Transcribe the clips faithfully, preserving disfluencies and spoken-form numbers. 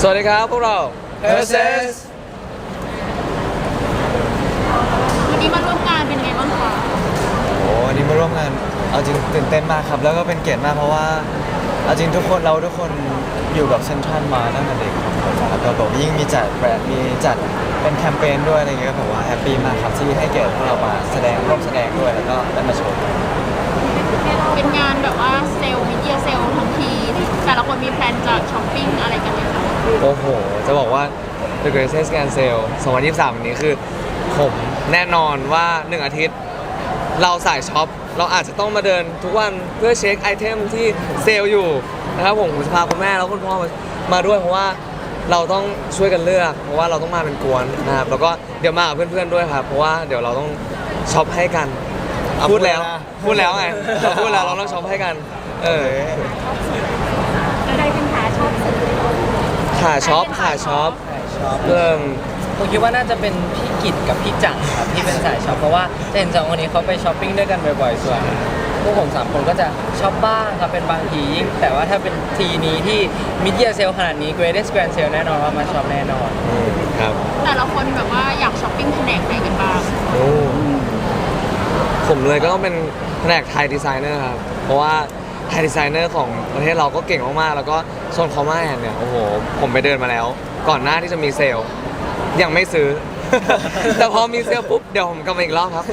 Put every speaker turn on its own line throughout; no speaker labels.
วัสดีครับพวกเรา เอส เอส
วันนี้มาร่วมงานเป็นไงบ้างคะ
โอ้วันนี้มาร่วมงานเอาจริงตื่นเต้นมากครับแล้วก็เป็นเกียรติมากเพราะว่าเอาจริงทุกคนเราทุกคนอยู่กับเซนทรัลมาตั้งแต่เด็กครับแล้วก็แบบยิ่งมีจัดแบรนด์มีจัดเป็นแคมเปญด้วยอะไรเงี้ยก็แบบว่าแฮปปี้มากครับที่ให้เกียรติพวกเรามาแสดงร่วมแสดงด้วยแล้วก็ได้มาโชว์
เป็นงานแบบว่าเซลล์มิเดียเซลล์ทั้งทีแต่ละคนมีแพลนจะช้อปปิ้งอะไรกันไหมคะ
โอ้โห จะบอกว่า The Greatest Grand Sale สองพันยี่สิบสามวันนี้คือผมแน่นอนว่าหนึ่งอาทิตย์ เราสายช็อป เราอาจจะต้องมาเดินทุกวันเพื่อเช็คไอเทมที่เซลล์อยู่นะครับผมผมจะพาคุณแม่แล้วคุณพ่อมามาด้วยเพราะว่าเราต้องช่วยกันเลือก เพราะว่าเราต้องมาเป็นกวนนะครับแล้วก็เดี๋ยวมากับเพื่อนๆด้วยครับเพราะว่าเดี๋ยวเราต้องช็อปให้กัน
เอา
พูดแล้ว
พูดแล้วนะ
พูดแล้วไงเราพูดแล้วเราต้องช็อปให้กัน เออ
อะไรเป็นขาชอบซื้อ
ขาช็อปขาช็อป
ชอบ
เริ่ม
ผมคิดว่าน่าจะเป็นพี่กิตกับพี่จังครับที่เป็นสายช็อปเพราะว่าจะเห็นสองคนนี้เขาไปช้อปปิ้งด้วยกันบ่อยๆส่วนพวกผมสามคนก็จะช็อปบ้างครับเป็นบางทียิ่งแต่ว่าถ้าเป็นทีนี้ที่มิดเดียเซลขนาดนี้ Greatest Grand Sale แน่นอนว่ามาช็อปแน่นอน
ครับ
แต่ละคนแบบว่าอยากช้อปปิ้งแผนกไหนกันบ้าง
โอ้ผมเลยก็ต้องเป็นแผนกไทยดีไซเนอร์ครับ เพราะว่าไทยดีไซเนอร์ของประเทศเราก็เก่งมากๆ แล้วก็โซนคอมมาแอนเนี่ย โอ้โห ผมไปเดินมาแล้ว ก่อนหน้าที่จะมีเซลล์ ยังไม่ซื้อ แต่พอมีเซลล์ปุ๊บ เดี๋ยวผมกลับมาอีกรอบครับ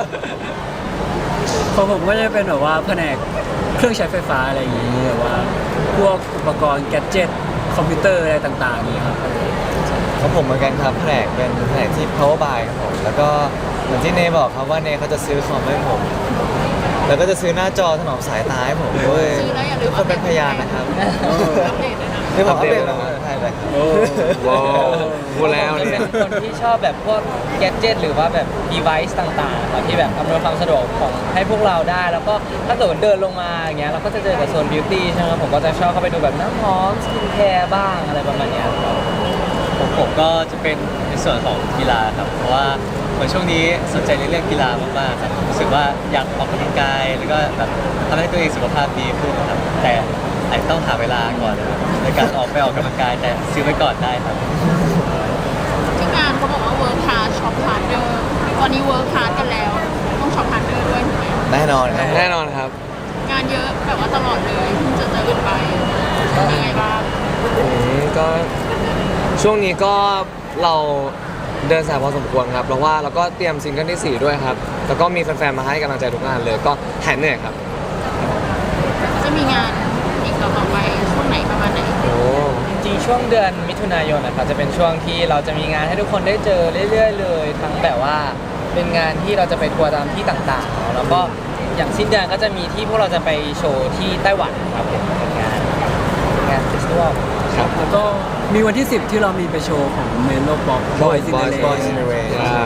ของผมก็จะเป็นแบบว่าแผนกเครื่องใช้ไฟฟ้าอะไรอย่างนี้แบบว่าพวกอุปกรณ์แกดเจ็ตคอมพิวเตอร์อะไรต่างๆนี้ครับ
ของผมเหมือนกันครับแผนกเป็นแผนกที่ power buy ครับผมแล้วก็เหมือนที่เนบอกครับว่าเนเขาจะซื้อคอมให้ผม แล้วก็จะซื้อหน้าจอถนอมสายตาให้ผมด้วย
ซื้อแล้วอย่าลื
ทุ
ม
กคนเป็นพยานนะครับ
อัปเดตด้วยนะ
ที่ผมอัปเดต
อัปเดต
มาใช่เลยครับ
โอ้
ว้าวพูดแล้ว
ผมจะ
เนี่
เป็
ย
นคนที่ชอบแบบพวกแกดเจิตหรือว่าแบบ device ต่างๆครับที่แบบอำนวยความสะดวกของให้พวกเราได้ แล้วก็ถ้าเกิดเดินลงมาอย่างเงี้ยเราก็จะเจอกับโซน beauty ใช่ไหมครับผมก็จะชอบเข้าไปดูแบบน้ำหอมสกินแคร์บ้างอะไรประมาณเนี้ยครับ
ผมผมก็จะเป็นในส่วนของกีฬาครับ เพราะว่าเหมือนช่วงนี้สนใจในเรื่องกีฬามากๆครับรู้สึกว่าอยากออกกำลังกายแล้วก็แบบทำให้ตัวเองสุขภาพดีขึ้นครับ แต่อาจจะต้องหาเวลาก่อนนะครับในการออกไปออกกำลังกายแต่ซื้อไว้ก่อนได้ครับ
ที่งานเขาบอกว่าเวิร์คฮาร์ดช็อปฮาร์ดเดอร์ตอนนี้เวิร์คฮาร์ดกันแล้ว ต้องช็อปฮาร์ดเดอร์ด้วยถูกไหม
แน่นอนครับ
แน่นอนครับ
งานเยอะแบบว่าตลอดเลยเพิ่งจะเจอกันไปเป็นยังไงบ้าง
อืมก็ช่วงนี้ก็เราเดินสายพอสมควรครับเพราะว่าเราก็เตรียมซิงเกิลที่สี่ด้วยครับ แล้วก็มีแฟนๆมาให้กำลังใจทุกงานเลย ก็หายเหนื่อยครับ
จะมีงานอีกต่อๆไปช่วงไหนประมาณไหน
โอ้
จริงๆช่วงเดือนมิถุนายนนะครับจะเป็นช่วงที่เราจะมีงานให้ทุกคนได้เจอเรื่อยๆเลย ทั้งแบบว่าเป็นงานที่เราจะไปทัวร์ตามที่ต่างๆเนอะแล้วก็อย่างสิ้นเดือนก็จะมีที่พวกเราจะไปโชว์ที่ไต้หวันครับผมเป็นงานเป็นงานเฟสติวัล
ครับ
แล้วก็มีวันที่ สิบที่เรามีไปโชว์ของเมโลป๊อปบอยซินเดอเร
Boys in the Rain
อ่า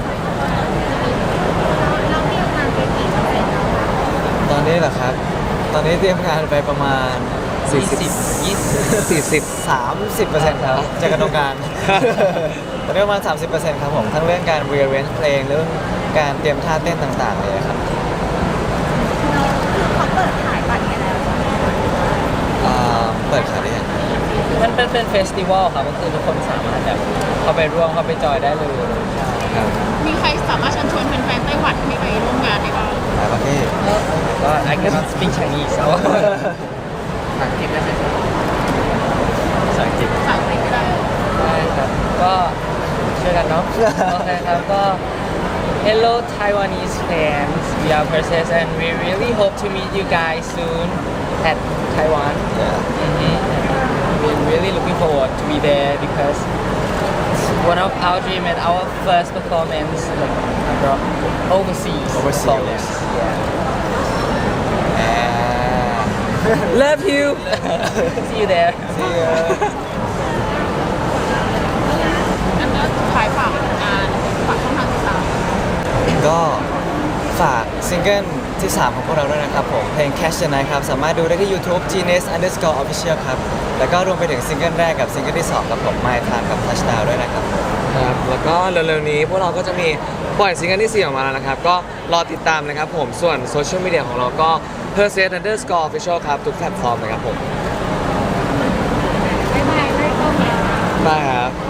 ตอนนี้เหรอครับ ตอนนี้เตรียมงานไปประมาณ
สี่สิบ
ยี่สิบ
สี่สิบ
สามสิบเปอร์เซ็นต์ครับจากการตรงกลาง ตอนนี้ประมาณ สามสิบเปอร์เซ็นต์ครับผม ทั้งเรื่องการ rearrange เพลงเรื่องการเตรียมท่าเต้นต่างๆเลยครับ
เขาเปิดขายบัตรกันแล้ว
อ่าเปิดขายได้ยัง
มันเป็นเป็นเฟสติวัลครับก็คือทุกคนสามารถแบบเข้าไปร่วมเข้าไปจอยได้เลย
ครับ
มีใครสามารถเชิญชวนแฟนๆไต้หวันให้ไปร่วมงานได้บ้าง
หลายประเทศ
ก็ I cannot speak Chinese เอาอังกฤษได้ไหม
ภาษาอังกฤษ
ภาษาอังกฤษก็ได้
ได้ครับก็ช่วยกันเนาะ โอเคครับก็ Hello Taiwanese fans we are Perses and we really hope to meet you guys soon at Taiwan Mhm. we're really looking forward to be there because it's one of our dream and our first performance like abroad overseas
Overseas,
performance. yeah
Love you
see you there
อันนั้นขายฝากงานฝากช่องทางติดตาม
ก็ฝากซิงเกิลที่ สาม ของพวกเราด้วยนะครับผม เพลง Catch the Night ครับ สามารถดูได้ที่ YouTube Genius underscore official ครับ แล้วก็รวมไปถึงซิงเกิลแรกกับซิงเกิลที่ สองครับผม My Time กับ Touchdown ด้วยนะครับ
ครับแล้วก็เร็วๆนี้พวกเราก็จะมีปล่อยซิงเกิลที่สี่ออกมาแล้วนะครับ ก็รอติดตามนะครับผม ส่วนโซเชียลมีเดียของเราก็ p e r s e s underscore official ครับ ทุกแพลตฟอร์มนะครับผม
บ๊ายบายไม่ต้อง
ได้ครับ